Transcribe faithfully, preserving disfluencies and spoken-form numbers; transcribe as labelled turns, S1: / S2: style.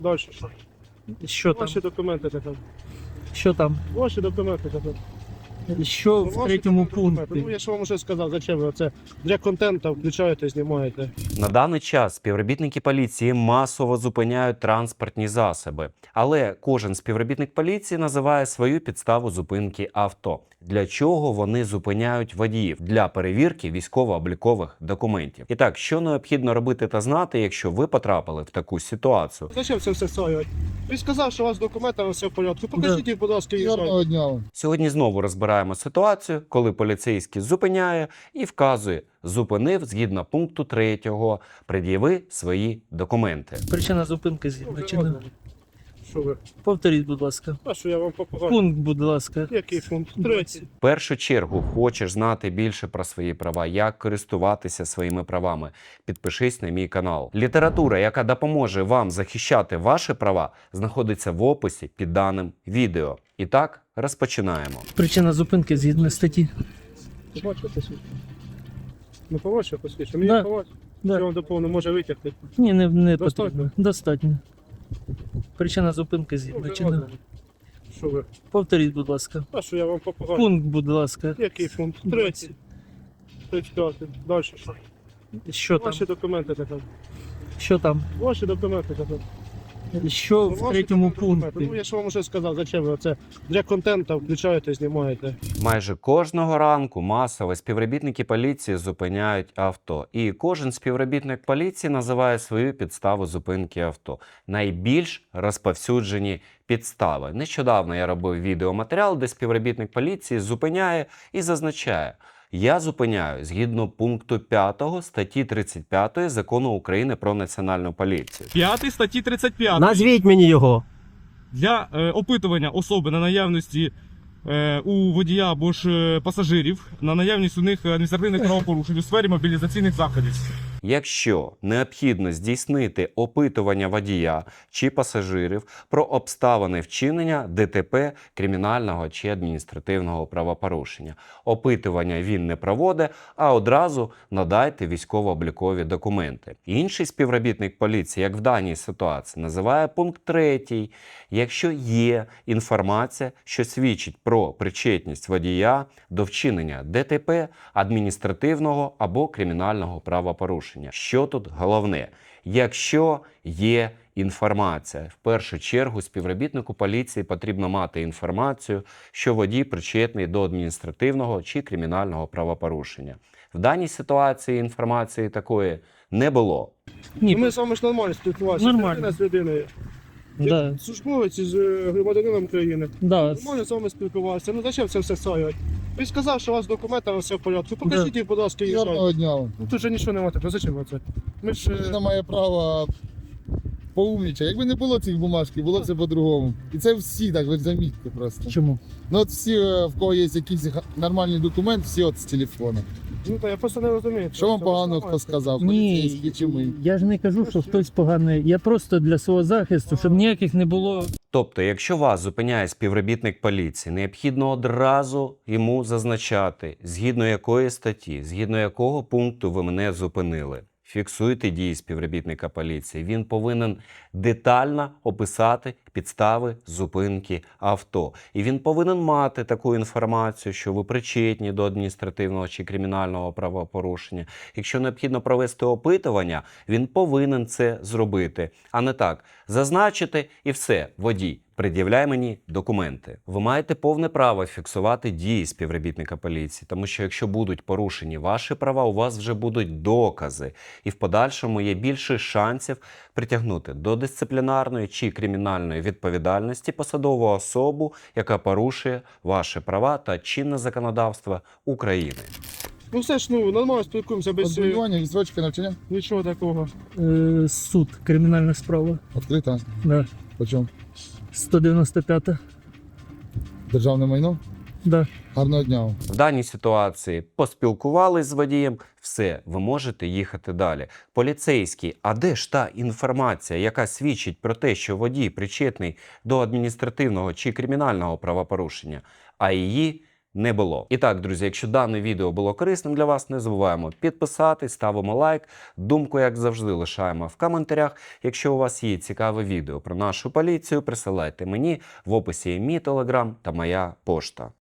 S1: Дальше що?
S2: Що там?
S1: Ваші документи тепер.
S2: Що там?
S1: Ваші документи тепер.
S2: Що в
S1: Ваші
S2: третьому
S1: документи. Ну,
S2: пункті?
S1: я ж вам уже сказав, зачем ви це для контенту включаєте, знімаєте.
S3: На даний час співробітники поліції масово зупиняють транспортні засоби, але кожен співробітник поліції називає свою підставу зупинки авто. Для чого вони зупиняють водіїв? Для перевірки військово-облікових документів. І так, що необхідно робити та знати, якщо ви потрапили в таку ситуацію?
S1: Зачем це все стоять? Він сказав, що у вас документи, все в порядку. Покажіть їх, будь ласка, і
S4: Гарного дня вам.
S3: Сьогодні знову розбираємо ситуацію, коли поліцейський зупиняє і вказує: зупинив згідно пункту третього, пред'яви свої документи.
S2: Причина зупинки згідно чи не?
S1: Що ви?
S2: Повторіть, будь ласка.
S1: А що я вам покажу?
S2: Пункт, будь ласка.
S1: Який пункт? Третій.
S3: В першу чергу хочеш знати більше про свої права, як користуватися своїми правами. Підпишись на мій канал. Література, яка допоможе вам захищати ваші права, знаходиться в описі під даним відео. І так, розпочинаємо.
S2: Причина зупинки згідно статті.
S1: Побачив посвідчення? Ну, побачив посвідчення. Мені
S2: Да.
S1: побачив.
S2: Да.
S1: Що вам доповнено може витягти?
S2: Ні, не, не
S1: Достатньо?
S2: потрібно. Достатньо. Причина зупинки згідно чи не?
S1: Що ви?
S2: Повторіть, будь ласка.
S1: А що я вам покажу?
S2: Пункт, будь ласка.
S1: Який пункт? Третій. тридцять п'ятий. Далі що?
S2: Що там?
S1: Ваші документи тепер.
S2: Що там?
S1: Ваші документи тепер.
S2: Що в
S1: Ваші
S2: третьому
S1: документи. Ну,
S2: пункті?
S1: я ж вам уже сказав, зачем ви це для контенту включаєте, знімаєте.
S3: Майже кожного ранку масово співробітники поліції зупиняють авто. І кожен співробітник поліції називає свою підставу зупинки авто. Найбільш розповсюджені підстави. Нещодавно я робив відеоматеріал, де співробітник поліції зупиняє і зазначає: я зупиняю згідно пункту п'ятого статті тридцять п'ятої Закону України про національну поліцію.
S5: п'ятий статті тридцять п'ять.
S6: Назвіть мені його.
S5: Для е, опитування особи на наявності е, у водія або ж е, пасажирів, на наявність у них адміністративних правопорушень у сфері мобілізаційних заходів.
S3: Якщо необхідно здійснити опитування водія чи пасажирів про обставини вчинення ДТП, кримінального чи адміністративного правопорушення, опитування він не проводить, а одразу надайте військово-облікові документи. Інший співробітник поліції, як в даній ситуації, називає пункт третій. Якщо є інформація, що свідчить про причетність водія до вчинення ДТП, адміністративного або кримінального правопорушення. Що тут головне? Якщо є інформація, в першу чергу співробітнику поліції потрібно мати інформацію, що водій причетний до адміністративного чи кримінального правопорушення. В даній ситуації інформації такої не було.
S2: Ні,
S1: Ми з вами ж нормально спілкувалися.
S2: Нормально.
S1: Людина з людиною.
S2: да,
S1: Службовець з е, громадянином країни.
S2: да.
S1: Нормально з вами спілкувалися. Ну зачем це все стоять? Він сказав, що у вас документи, все в порядку. Покажіть їх, будь ласка, і
S4: Гарного дня вам.
S1: Ну тут же нічого немає. Ну зачем ви це? Ми ж... е,
S4: Людина має право поумнічати. Якби не було цих бумажки, було б все по-другому. І це всі так, ви замітьте просто.
S2: Чому?
S4: Ну от всі, е, в кого є якийсь га- нормальний документ, всі от з телефона.
S1: Ну та я просто не розумію.
S4: Що вам
S1: Це
S4: погано
S1: нормально.
S4: хто сказав?
S2: Ні,
S4: Поліцейські чи ми?
S2: я ж не кажу, що хтось поганий. Я просто для свого захисту, щоб ніяких не було.
S3: Тобто, якщо вас зупиняє співробітник поліції, необхідно одразу йому зазначати, згідно якої статті, згідно якого пункту ви мене зупинили. Фіксуйте дії співробітника поліції. Він повинен детально описати підстави зупинки авто. І він повинен мати таку інформацію, що ви причетні до адміністративного чи кримінального правопорушення. Якщо необхідно провести опитування, він повинен це зробити. А не так, зазначити і все, водій, пред'являй мені документи. Ви маєте повне право фіксувати дії співробітника поліції, тому що якщо будуть порушені ваші права, у вас вже будуть докази. І в подальшому є більше шансів притягнути до дисциплінарної чи кримінальної відповідальності посадову особу, яка порушує ваші права та чинне законодавство України.
S1: Ну все ж, ну, нормально спілкуємося без е,
S4: Відбування, відстрочки навчання?
S1: нічого такого.
S2: Е, суд, кримінальна справа.
S4: Відкрита.
S2: Да.
S4: По чому?
S2: сто дев'яносто п'ята.
S4: Державне майно?
S2: Да.
S4: Гарного дня вам.
S3: В даній ситуації поспілкувались з водієм, все, ви можете їхати далі. Поліцейський, а де ж та інформація, яка свідчить про те, що водій причетний до адміністративного чи кримінального правопорушення? А її не було. І так, друзі, якщо дане відео було корисним для вас, не забуваємо підписатись, ставимо лайк. Думку, як завжди, лишаємо в коментарях. Якщо у вас є цікаве відео про нашу поліцію, присилайте мені, в описі є мій телеграм та моя пошта.